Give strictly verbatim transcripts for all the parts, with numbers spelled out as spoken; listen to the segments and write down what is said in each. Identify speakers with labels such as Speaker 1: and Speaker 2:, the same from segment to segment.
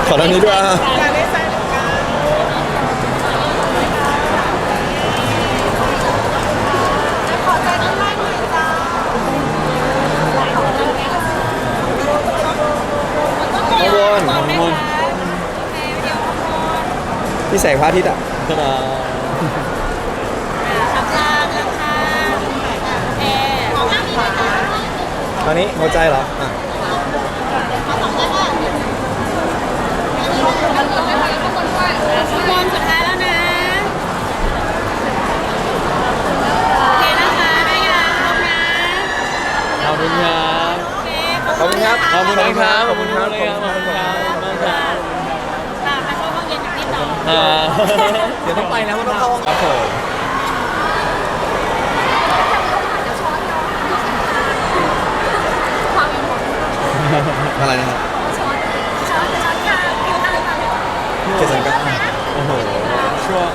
Speaker 1: ขอทางนี้ด้วยอ่ะข้างบนข้างบนพี่แสงพระอาทิตย์อ่ะตอนนี้หัวใจเหรออ่ะ
Speaker 2: ทุกคนสุดท้ายแล้วนะโอเคนะคะได้ยังครบนะ
Speaker 3: ขอบคุณครับ
Speaker 2: โอเค
Speaker 1: ขอบคุณครับ
Speaker 3: ขอบคุณครับ
Speaker 1: ขอบคุณครับ
Speaker 3: ขอบคุณครับขอบคุณครับ
Speaker 2: ตามมาช่วยห้องเย็นอย่างที่ต่อ
Speaker 3: อ่า
Speaker 1: เดี๋ยวต้องไปแล้วต้องเข้าห้อง
Speaker 3: ครับผม
Speaker 1: อะไรนะครับเจ็ดสังกัด
Speaker 3: โอ้โหช่วง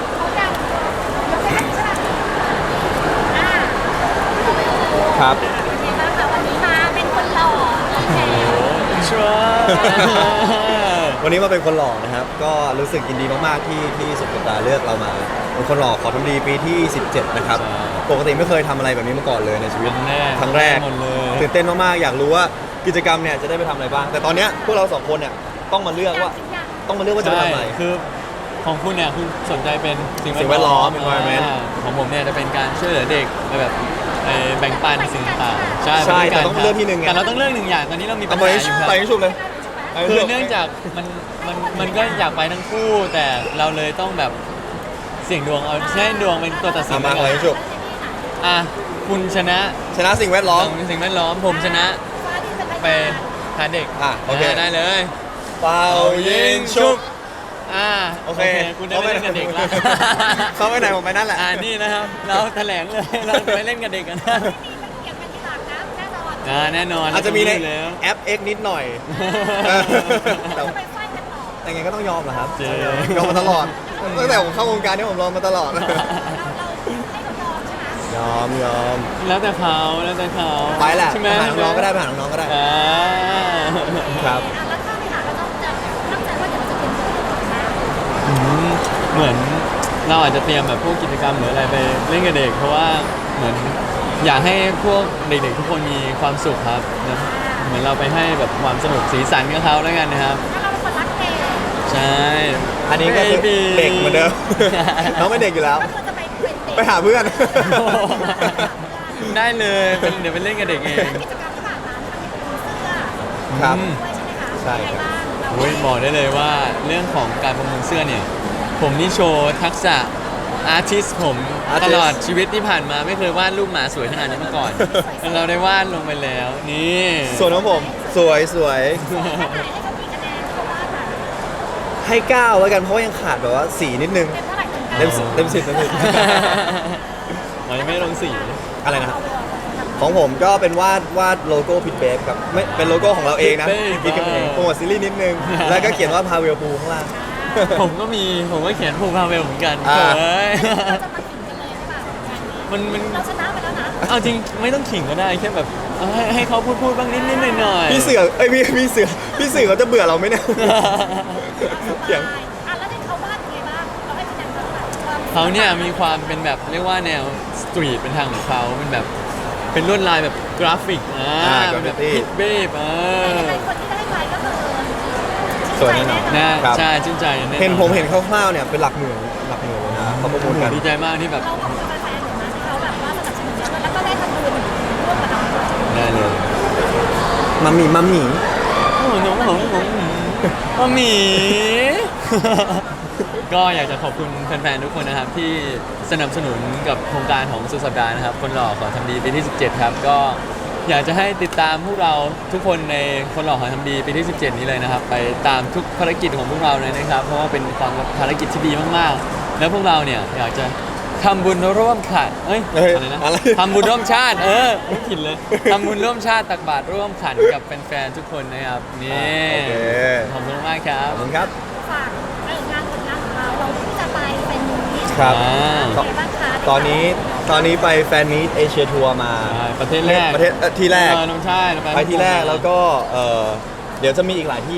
Speaker 1: ครับ
Speaker 2: วันนี้มาเป็นคนหล่อโอเค
Speaker 3: ช่วง
Speaker 1: วันนี้มาเป็นคนหล่อนะครับ ก็รู้สึกยินดีมากๆที่ที่สุดสัปดาห์เลือกเรามาเป็นคนหล่อขอทำดีปีที่สิบเจ็ดนะครับปกติไม่เคยทำอะไรแบบนี้มาก่อนเลยในชีวิต
Speaker 3: ครั้งแรก
Speaker 1: ครั้งแรก
Speaker 3: หมดเลย
Speaker 1: ตื่นเต้นมากๆอยากรู้ว่ากิจกรรมเนี่ยจะได้ไปทำอะไรบ้าง แต่ตอนเนี้ยพวกเราสองคนเนี่ยต้องมาเลือกว่าต้องมาเลือกว่าจะไป
Speaker 3: ใช่
Speaker 1: ทำอะไร
Speaker 3: คือของคุณเนี่ยคุณสนใจเป็นสิ่ง
Speaker 1: สิ่งแวดล้อม environment
Speaker 3: อ่าของผมเนี่ยจะเป็นการช่วยเหลือเด็กแบบเอ่อแบ่งปันสิ่งต่างๆใช่
Speaker 1: ใช่
Speaker 3: ไปด้วย
Speaker 1: แต่ต้องเลือกที่หนึ่งไง
Speaker 3: แต่เราต้องเลือกหนึ่งอย่างตอนนี้เรามีปั
Speaker 1: เอา
Speaker 3: ญ
Speaker 1: ไป
Speaker 3: หาอยู่ครับ
Speaker 1: ไปให้ชุบเลยไปให้
Speaker 3: คือ
Speaker 1: ชุบ
Speaker 3: เนื่องจากมันมันมันก็อยากไปทั้งคู่ แต่เราเลยต้องแบบเสี่ยงดวงเอาให้ดวงเป็นตัวตัดสิ
Speaker 1: เอา
Speaker 3: น
Speaker 1: มา
Speaker 3: แล้ว
Speaker 1: ไป
Speaker 3: กัน
Speaker 1: ให้ชุบ
Speaker 3: อ่ะคุณชนะ
Speaker 1: ชนะสิ่งแวดล้อม
Speaker 3: สิ่งแวดล้อมผมชนะไปหาเด็ก
Speaker 1: อ่ะโอเค
Speaker 3: ได้เลย
Speaker 1: เป่ายิงชุบ
Speaker 3: อ่า
Speaker 1: โอเค
Speaker 3: คุณได้ไปเล่นกับเด็กแล้ว
Speaker 1: เขาไปไหนผมไปนั่นแหละ
Speaker 3: อ่านี่นะครับ เราแถลงเลย เราไปเล่นกับเด็กกันนะอ่าแน่นอน
Speaker 1: อาจจะมีใน
Speaker 3: รู้อยู่แล้ว
Speaker 1: แอป X นิดหน่อยแต่
Speaker 2: ไปไฟกันต่อ
Speaker 1: แต่ไงก็ต้องยอมเหรอครับ
Speaker 3: เจ๊
Speaker 1: ยอมมาตลอดตั้งแต่ผมเข้าวงการนี่ผมรอมาตลอด
Speaker 2: เราเราให้เขายอมใช่ไหม
Speaker 1: ยอมยอม
Speaker 3: แล้วแต่เขาแล้วแต่เขา
Speaker 1: ไปแหละ
Speaker 3: ใช่ไหม
Speaker 1: ไปหาน้องๆก็ได้ไปหาน้องๆก็ได้
Speaker 3: อ่า
Speaker 1: ครับ
Speaker 2: อ่ะแล้วถ้าไปหาเราต้องจะตั้งใจว่าเดี๋ยวเราจะเป็นตัวนะ
Speaker 3: อืมเหมือนเราอาจจะเตรียมแบบพวกกิจกรรมหรืออะไรไปเล่นกับเด็ก เพราะว่าเหมือนอยากให้พวกเด็กๆทุกคนมีความสุขครับนะเหมือนเราไปให้แบบความสนุกสีสันกับเขาแล้วกันนะครับ
Speaker 2: ถ้าเราเป็นคนรักเด็ก
Speaker 3: ใช่
Speaker 1: อันนี้ก็คือ
Speaker 3: Baby
Speaker 1: เด็กเหมือนเดิม น้องไม่เด็กอยู่แล้ว
Speaker 2: ก็คือจะไปเป็นเด็ก
Speaker 1: ไปหาเพื่อน
Speaker 3: ได้เลยเป็นเดี๋ยวไปเล่นกับเด็กเอง
Speaker 2: กิจกรรมที่ผ่านมามันมีเสื้อ
Speaker 1: ครับ
Speaker 3: อืม
Speaker 2: ด้วยใช่ไหมคะ
Speaker 1: ใช่ครับ
Speaker 2: ยังไงบ้างเรา
Speaker 3: โอ้ยบอกได้เลยว่าเรื่องของการประมูลเสื้อเนี่ย ผมนี่โชว์ทักษะอาร์ติสผม
Speaker 1: Artist
Speaker 3: ตลอดชีวิตที่ผ่านมาไม่เคยวาดรูปหมาสวยขนาดนี้มาก่อน เราได้วาดลงไปแล้ว นี่
Speaker 1: ส่วนของผมสวยสวย
Speaker 2: ให้เขากี่คะแนนเขาว่าค่ะ
Speaker 1: ให้เก้าแล้วกันเพราะว่ายังขาดแบบว่าสีนิดนึง
Speaker 2: เต็มเท่าไหร่เต็ม
Speaker 1: เต็มสิบเต็มสิบเต็มสิบ
Speaker 3: มันไม่ลงสี
Speaker 1: อะไรนะครับ ของผมก็เป็นวาดวาดโลโก้พิทเบฟครับไม่เป็นโลโก้ของเราเองนะ
Speaker 3: Pit Babe
Speaker 1: พิทกันเองโปรโมทซีรีส์นิดนึง แล้วก็เขียนว่าพาเวลพูข้างล่าง
Speaker 3: ผมก็มีผมก็เขียนภูมิพาเวลเหมือนกัน
Speaker 1: อ่า
Speaker 3: เฮ้ย
Speaker 2: เราจะมาขิงกันเลยใช่ป่ะงานนี้
Speaker 3: มันมัน
Speaker 2: เราชนะไปแล้วนะ
Speaker 3: เอาจริงไม่ต้องขิงก็ได้แค่แบบเอาให้ให้เขาพูดพูดบ้างนิดนิดหน่อยหน่อย
Speaker 1: พี่เสือเอ้ยพี่พี่เสือพี่เสือเขาจะเบื่อเราไหมเนี่ย เขียน
Speaker 2: อ่ะแล้วที่เขาวาดยังไงบ้างเราให้คะแนนเขาเท่าไหร่ความ
Speaker 3: เขาเนี่ยมีความเป็นแบบเรียกว่าแนวสตรีทเป็นทางของเขาเป็นแบบเป็นลวดลายแบบกราฟิกอ่า
Speaker 1: อ่า
Speaker 3: เป็นแบบ
Speaker 1: graffiti
Speaker 3: พิทเบฟเออ
Speaker 2: ยังไงคนที่ได้ไปก็คือ
Speaker 1: สวยแน่นอน
Speaker 3: นะครับ ใช่ชื่นใจแน่นอน
Speaker 1: เห็นผมเห็นคร่าวๆเนี่ยเป็นหลักหมื่นหลักหมื่นเลยนะเขาประมูลกัน
Speaker 3: ดีใจมากที่แบบ
Speaker 2: เราขอบคุณแฟนๆนะที่เขาแบบว่าสนับสนุนเราแล้วก็ได้ทำบุญร่วมกับเราด้วย
Speaker 3: ได้เลย
Speaker 1: มัมมี่มัมมี่
Speaker 3: โอ้โหน้องหงหงหงหมี ก็อยากจะขอบคุณแฟนๆทุกคนนะครับที่สนับสนุนกับโครงการของสุดสัปดาห์นะครับ คนหล่อขอทำดีปีที่สิบเจ็ดครับก็อยากจะให้ติดตามพวกเราทุกคนในคนหล่อขอทำดีปีที่สิบเจ็ดนี้เลยนะครับ ไปตามทุกภารกิจของพวกเราเลยนะครับ เพราะว่าเป็นความภารกิจที่ดีมากๆ แล้วพวกเราเนี่ยอยากจะทำบุญร่วมขันเอ้ย
Speaker 1: เอ้ย
Speaker 3: อะไรนะ
Speaker 1: อะไร
Speaker 3: ทำบุญร่วมชาติเออไม่ผิดเลยทำบุญร่วมชาติตักบาตรร่วมขันกับแฟนๆทุกคนนะครับนี่
Speaker 1: โอเค
Speaker 3: ขอบคุณมากครั
Speaker 1: ข
Speaker 3: บ
Speaker 1: อบคุณครับ
Speaker 2: ฝากเอองานผลงานของเราเราเพิ่งจะไปเป็นนี้
Speaker 1: ครับ
Speaker 3: อ่า
Speaker 2: เป็นไงบ้างคะ
Speaker 1: ตอนนี้ตอนนี้ไปแฟนมีตเอเชียทัวร์มา
Speaker 3: ใช่ประเทศแรก
Speaker 1: ประเทศเอ่อที่แรก
Speaker 3: เออน้องชายเรา
Speaker 1: ไปที่แรกแล้วก็เออเดี๋ยวจะมีอีกหลายที่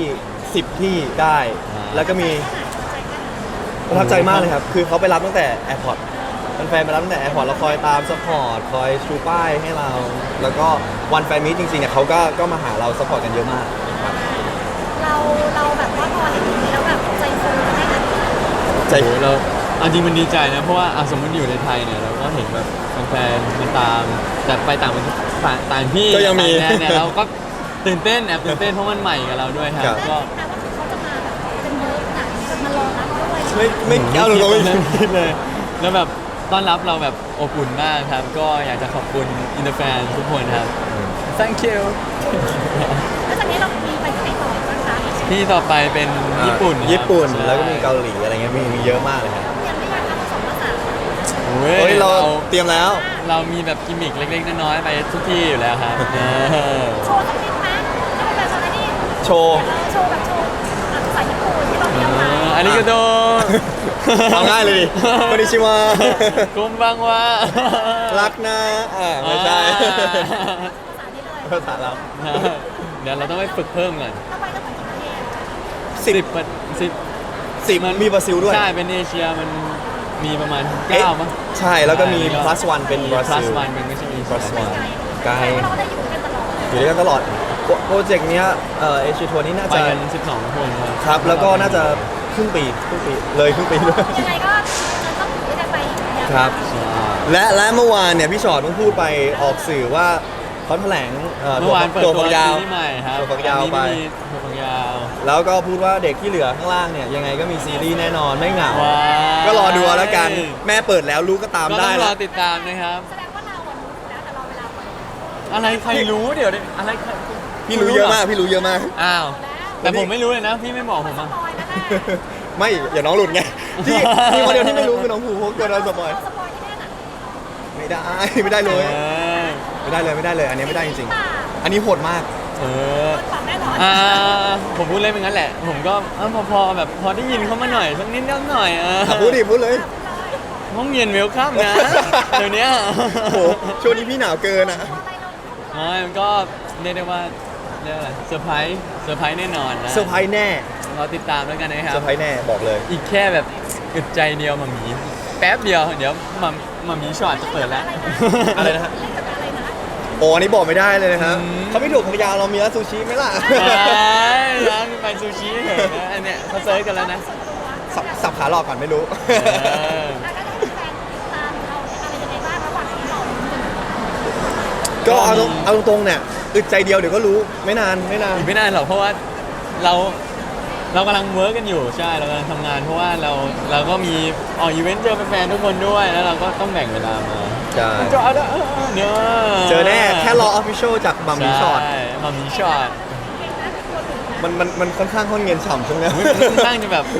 Speaker 1: สิบที่ได้
Speaker 3: อ่า
Speaker 1: แล้วก็มีประทับใจมากเลยครับ คือเขาไปรับตั้งแต่แอร์พอร์ตแฟนๆไปรับตั้งแต่แอร์พอร์ตเราคอยตามซัพพอร์ตคอยชูป้ายให้เรา แล้วก็วันแฟนมีตจริงๆเนี่ยเขาก็ก็มาหาเราซัพพอร์ตกันเยอะมากครับ
Speaker 2: เราเราแบบว่าพอเห็นอย่างนี้แล้วแบบใจฟูกันไหมคะ
Speaker 1: ใจ
Speaker 3: โอ้โหเราเอาจริงมันดีใจนะเพราะว่าอ่ะสมมติอยู่ในไทยเนี่ยเราก็เห็นแบบแฟนๆมาตามแต่ไปต่างประเทศต่างต่างที่
Speaker 1: ก็ยังมี
Speaker 3: ต่างแดนเนี่ยเราก็ตื่นเต้นแอบตื่นเต้นเพราะมันใหม่กับเราด้วยครับ
Speaker 1: ครับ
Speaker 3: ก็
Speaker 2: แต่ว่าเขาจะมาแบบเป็นเวิร์กหนักมารอรับด้วย
Speaker 1: ไม่ไม่เอาเลยเราไม่
Speaker 3: ไม่คิดเลย แล้วแบบต้อนรับเราแบบอบอุ่นมากครับ ก็อยากจะขอบคุณอินเตอร์แฟนทุกคนครับ thank you
Speaker 2: แล้วจากนี้เรามีไปที่ไหนต่อบ้างคะ
Speaker 3: ที่ต่อไปเป็นญี่ปุ่นครับ
Speaker 1: ญี่ปุ่น
Speaker 3: ใช่
Speaker 1: แล้วก็มีเกาหลีอะไรเงี้ยมีมีเยอะมากเลยครับ
Speaker 2: เรียนไม่ยากนะผสมภาษา
Speaker 3: โอ้
Speaker 1: เฮ้ย
Speaker 3: ย
Speaker 1: เรา
Speaker 3: เรา
Speaker 1: เตรียมแล้ว
Speaker 3: เรามีแบบกิมมิคเล็กๆน้อยๆไปทุกที่อยู่แล้วครับเออ
Speaker 2: โชว์สักนิดไหมให้เป็นแบบโชว์อะไรนี่
Speaker 1: โชว์
Speaker 2: เออโชว์แบบโชว์ภาษาญี่ปุ่นที่เราเรียนมา
Speaker 3: อันนี้ก็โด
Speaker 1: เอาง่ายเลยดิคอนนิชิวา
Speaker 3: กุมบังวะ
Speaker 1: รักนะอ่าไม่ใช่
Speaker 2: ภาษานี้เลย
Speaker 1: ภาษาเรา
Speaker 3: เดี๋ยวเราต้องไปฝึกเพิ่มก่อน
Speaker 2: ถ้าไปก็เหมือนกี่ประเทศ
Speaker 1: สิบ
Speaker 3: สิบประสิบ
Speaker 1: สิบมีบราซิลด้วย
Speaker 3: ใช่เป็นเอเชียมันมีประมาณเก้ามั้ง
Speaker 1: ใช่แล้วก็มี
Speaker 3: ใช่
Speaker 1: plus one เป็นบราซิ
Speaker 3: plus
Speaker 1: ล
Speaker 3: one เป็นไม่ใช่เอเชีย
Speaker 1: plus one ไกล
Speaker 2: แต่ว่าเราก็ได้อยู่กันตลอด
Speaker 1: อยู่ด้วยกันตลอดโปรโปรเจกต์เนี้ยเอ่อเอเชียทัวร์นี้น่า
Speaker 3: ไป
Speaker 1: จะ
Speaker 3: กันสิบสองคนครับ
Speaker 1: ครับ แล้วก็น่าจะครึ่งปีครึ่งปีเลยครึ่งปีด้วย
Speaker 2: ยังไงก็จะต้องอยู่ด้วยกันไปอีกยาว
Speaker 1: ครับ
Speaker 3: ใช่
Speaker 1: และและเมื่อวานเนี่ยพี่ชอตเพิ่งพูดไปออกสื่อว่าเขาแถลงอ่อ
Speaker 3: เมื่อวานเปิด
Speaker 1: ตัว
Speaker 3: ตัว
Speaker 1: ฝักยาว
Speaker 3: ซีรีส์ใหม่ครับ
Speaker 1: ตัวฝักยาวไป
Speaker 3: อันนี้มีตัวฝักยาว
Speaker 1: แล้วก็พูดว่าเด็กที่เหลือข้างล่างเนี่ยยังไงก็มีซีรีส์แน่นอนไม่เหงา
Speaker 3: ว้าย
Speaker 1: ก็รอดูเอาแล้วกัน แม่เปิดแล้วลูกก็ตาม
Speaker 3: ก็ต้
Speaker 1: ได้
Speaker 3: องร
Speaker 1: แล้
Speaker 3: อ
Speaker 1: ว
Speaker 3: ติดตามนะครับ
Speaker 2: แสดงว่าเราอะรู้แล้วแต่รอเวลาไป
Speaker 3: อะไรใครรู้เดี๋ยวดิอะไรใคร
Speaker 1: พี่รู้เยอะมากพี่รู้เยอะมาก
Speaker 3: อ้าว
Speaker 2: แล้ว
Speaker 3: แต่ผมไม่รู้เลยนะ พี่ไม่บอกผม
Speaker 2: ส
Speaker 3: อ่ะ
Speaker 2: ปอยนะแม่
Speaker 1: ไม่อย่าน้องหลุดไงที่มีคนเดียวที่ไม่รู้คือน้องภูเพราะกลัวเราสปอย
Speaker 2: เราสปอยที่แน่น่ะ
Speaker 1: ไม่ได้ไม่ได้เลย
Speaker 3: เออ
Speaker 1: ไม่ได้เลยไม่ได้เลย อันนี้ไม่ได้จริง
Speaker 2: ป่า
Speaker 1: ๆ อันนี้โหดมาก
Speaker 3: เออ
Speaker 2: โดนปรับแน่นอน
Speaker 3: อ่าผมพูดเล่นเป็นงั้นแหละ ผมก็เออพอพอแบบพอได้ยินเขามาหน่อยสักนิดนิดหน่อยเออ
Speaker 1: อ่ะพูดดิพูดเลย
Speaker 3: ห้องเย็นเวลคัมนะเดี๋ยวเนี้ย
Speaker 1: โอ้โหช่วงนี้พี่หนาวเกินอ่ะ
Speaker 2: อะไรเรา
Speaker 3: ไม่มันก็เรียกได้ว่าเรียกว่าอะไรเซอร์ไพรส์เซอร์ไพรส์แน่นอนนะ
Speaker 1: เซอร์ไพรส์แน่
Speaker 3: เราติดตามแล้วกันนะครั
Speaker 1: เซอบ ร์ไพรส์แน่บอกเลย
Speaker 3: อีกแค่แบบอึดใจเดียวมามีแป๊บเดียวเดี๋ยวมามามีช็อตจะเปิดแล้ว
Speaker 1: อะไรนะฮะ
Speaker 2: เล่นกับอะไรนะ
Speaker 1: โอ้อันนี้บอกไม่ได้เลยนะครับ
Speaker 3: อืม
Speaker 1: เขาไม่ถูกของยาวเรามีร้านซูชิไหมล่ะ
Speaker 3: ไปร้านไปซูชิเถอะนะอันเนี้ยเขาเซิร์ชกันแล้วนะ
Speaker 1: สับสับขาหลอกก่อนไม่รู้
Speaker 3: เออ
Speaker 2: แล้วก็ได้แฟนติดตามเราอะไรยังไงบ้างระหว่างที่เราลุ้นกัน
Speaker 1: ก็เอาตรงเอาตรงๆเนี่ยอึดใจเดียวเดี๋ยวก็รู้ไม่นานไม่นาน
Speaker 3: อีกไม่นานหรอกเพราะว่าเราเรากำลังเวิร์กกันอยู่ใช่เรากำลังทำงาน เพราะว่าเราเราก็มีออกอีเวนต์เจอแฟนๆทุกคนด้วยแล้วเราก็ต้องแบ่งเวลามา
Speaker 1: ใช่
Speaker 3: จอดเนอะ
Speaker 1: เจอแน่แค่รอออฟฟิเชียลจากมัมมี่ช็อต
Speaker 3: ใช่มัมมี่ช็อต
Speaker 1: มันมันมันค่อนข้างค่อนเงินฉ่ำช่วงเนี้ย
Speaker 3: อุ๊ยมันค่อนข้างจะแบบ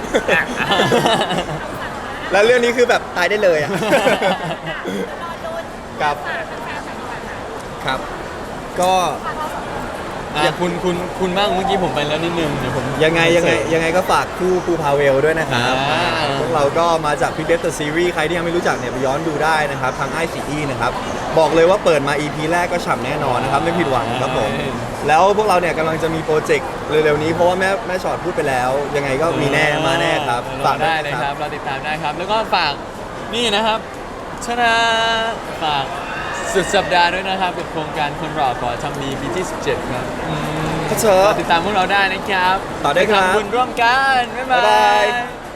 Speaker 1: แล้วเรื่องนี้คือแบบตายได้เลยอ่ะ
Speaker 2: รอลุ้น
Speaker 1: ครับ
Speaker 2: ฝากแฟนๆหน่อยดีกว่าค่ะ
Speaker 1: ครับ ก็
Speaker 2: ฝากเราสองคน
Speaker 3: อ่ะคุณคุณคุณบ้างเมื่อกี้ผมไปแล้วนิดนึงเดี๋ยวผม
Speaker 1: ยังไงยังไงยังไงก็ฝากคู่ภูพาเวลด้วยนะครับ
Speaker 3: อ่า
Speaker 1: พวกเราก็มาจากพิกเดฟเตอร์ซีรีส์ใครที่ยังไม่รู้จักเนี่ยไปย้อนดูได้นะครับทางไอซีอีนะครับบอกเลยว่าเปิดมา อี พี แรกก็ฉ่ำแน่นอนนะครับไม่ผิดหวังครับผมแล้วพวกเราเนี่ยกำลังจะมีโปรเจกต์เร็วๆนี้เพราะว่าแม่แม่ชอตพูดไปแล้ว ยังไงก็มีแน่มาแน่ครับ
Speaker 3: รอ
Speaker 1: ฝาก
Speaker 3: ได้
Speaker 1: วย
Speaker 3: เลย
Speaker 1: นะ
Speaker 3: ครับเราติดตามได้ครับ แล้วก็ฝากนี่นะครับชนะฝากสุดสัปดาห์ด้วยนะครับกับโครงการคนหล่อขอทำดีปีที่สิบเจ็ดครับอืม
Speaker 1: ครับเชิญ
Speaker 3: รอติดตามพวกเราได้นะครับ
Speaker 1: ต่อได้ครับ
Speaker 3: ปทำบุญร่วมกันบ๊ายบา
Speaker 1: บ๊ายบาย
Speaker 3: ย